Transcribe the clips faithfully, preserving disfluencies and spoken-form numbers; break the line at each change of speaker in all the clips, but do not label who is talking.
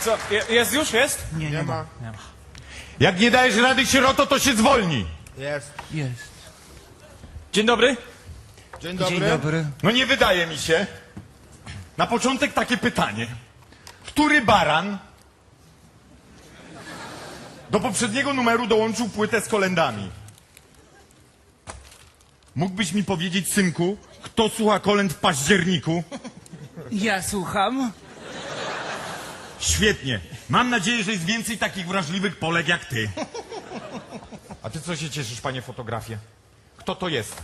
Co, je, jest już, jest?
Nie, nie, ma.
Nie ma.
Jak nie dajesz rady, sieroto, to się zwolni.
Jest.
Jest.
Dzień dobry.
Dzień dobry.
Dzień dobry.
No nie wydaje mi się. Na początek takie pytanie. Który baran do poprzedniego numeru dołączył płytę z kolędami? Mógłbyś mi powiedzieć, synku, kto słucha kolęd w październiku?
Ja słucham.
Świetnie. Mam nadzieję, że jest więcej takich wrażliwych Polek jak ty. A ty co się cieszysz, panie fotografie? Kto to jest?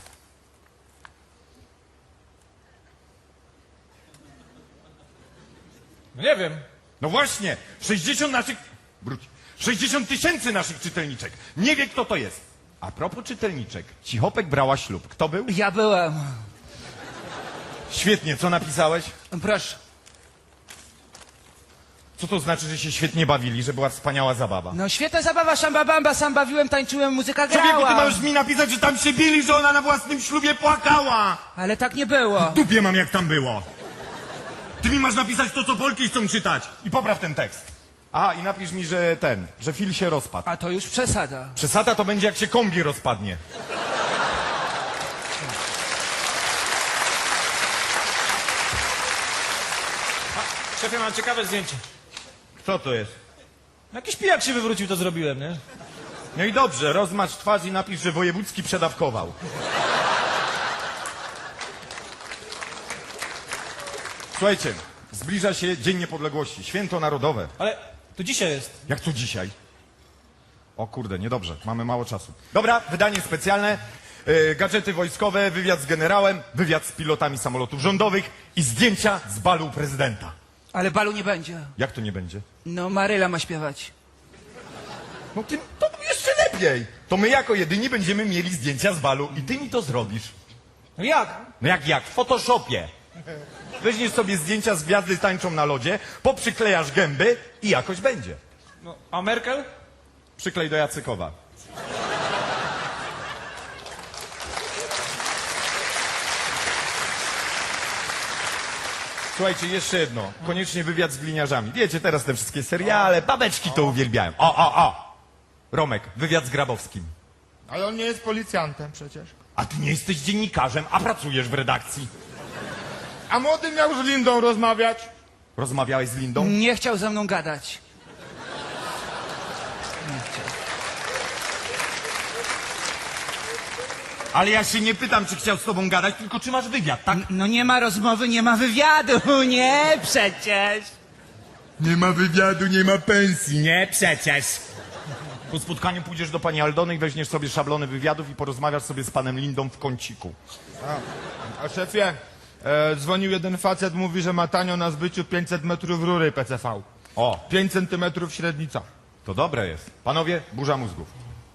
No nie wiem.
No właśnie, sześćdziesiąt naszych... Wróć. sześćdziesiąt tysięcy naszych czytelniczek. Nie wie, kto to jest. A propos czytelniczek. Cichopek brała ślub. Kto był?
Ja byłem.
Świetnie, co napisałeś?
Proszę.
Co to znaczy, że się świetnie bawili, że była wspaniała zabawa?
No świetna zabawa, szambabamba, sam bawiłem, tańczyłem, muzyka
Człowieku, ty
grała.
możesz mi napisać, że tam się bili, że ona na własnym ślubie płakała.
Ale tak nie było.
Dupie mam, jak tam było. Ty mi masz napisać to, co Polki chcą czytać. I popraw ten tekst. Aha, i napisz mi, że ten, że Phil się rozpadł.
A to już przesada.
Przesada to będzie, jak się kombi rozpadnie.
Szefie, mam ciekawe zdjęcie.
Kto to jest?
Jakiś pijak się wywrócił, to zrobiłem, nie?
No i dobrze, rozmacz twarz i napisz, że wojewódzki przedawkował. Słuchajcie, zbliża się Dzień Niepodległości, święto narodowe.
Ale to dzisiaj jest.
Jak to dzisiaj? O kurde, niedobrze, mamy mało czasu. Dobra, wydanie specjalne, yy, gadżety wojskowe, wywiad z generałem, wywiad z pilotami samolotów rządowych i zdjęcia z balu prezydenta.
Ale balu nie będzie.
Jak to nie będzie?
No Maryla ma śpiewać.
No ty, to jeszcze lepiej. To my jako jedyni będziemy mieli zdjęcia z balu i ty mi to zrobisz.
No jak?
No jak, jak? W Photoshopie. Weźmiesz sobie zdjęcia z gwiazdy tańczą na lodzie, poprzyklejasz gęby i jakoś będzie.
No, a Merkel?
Przyklej do Jacykowa. Słuchajcie, jeszcze jedno. Koniecznie wywiad z gliniarzami. Wiecie, teraz te wszystkie seriale, babeczki to uwielbiają. O, o, o! Romek, wywiad z Grabowskim.
Ale on nie jest policjantem przecież.
A ty nie jesteś dziennikarzem, a pracujesz w redakcji.
A młody miał z Lindą rozmawiać.
Rozmawiałeś z Lindą?
Nie chciał ze mną gadać. Nie chciał.
Ale ja się nie pytam, czy chciał z tobą gadać, tylko czy masz wywiad, tak?
No nie ma rozmowy, nie ma wywiadu. Nie, przecież.
Nie ma wywiadu, nie ma pensji. Nie, przecież. Po spotkaniu pójdziesz do pani Aldony i weźmiesz sobie szablony wywiadów i porozmawiasz sobie z panem Lindą w kąciku.
A, a szefie, e, dzwonił jeden facet, mówi, że ma tanio na zbyciu pięćset metrów rury P C V.
O,
pięć centymetrów średnica.
to dobre jest. Panowie, burza mózgów.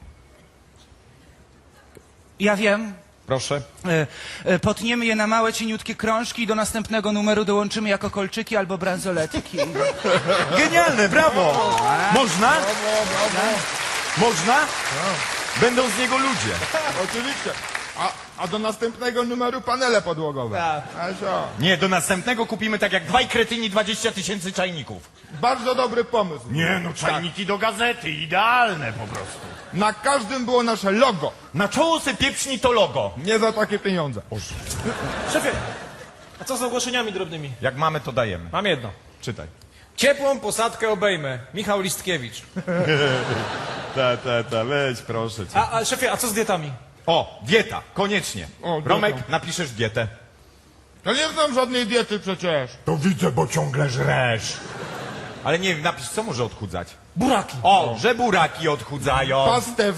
Ja wiem.
Proszę.
E, e, potniemy je na małe, cieniutkie krążki i do następnego numeru dołączymy jako kolczyki albo bransoletki.
Genialne, brawo! Można? Można? Będą z niego ludzie.
Oczywiście. A, a do następnego numeru panele podłogowe.
Tak.
A co?
Nie, do następnego kupimy tak jak dwaj kretyni dwadzieścia tysięcy czajników.
Bardzo dobry pomysł.
Nie, no czajniki do gazety, idealne po prostu.
Na każdym było nasze logo.
Na czoło se pieprzni to logo.
Nie za takie pieniądze.
Szefie, a co z ogłoszeniami drobnymi?
Jak mamy, to dajemy.
Mam jedno.
Czytaj.
Ciepłą posadkę obejmę. Michał Listkiewicz.
Ta, ta, ta, weź proszę cię.
A, a szefie, a co z dietami?
O, dieta, koniecznie.
O, dieta.
Romek, napiszesz dietę.
To nie znam żadnej diety przecież.
To widzę, bo ciągle żresz. Ale nie, napisz, co może odchudzać?
Buraki.
O, że buraki odchudzają.
Pastę w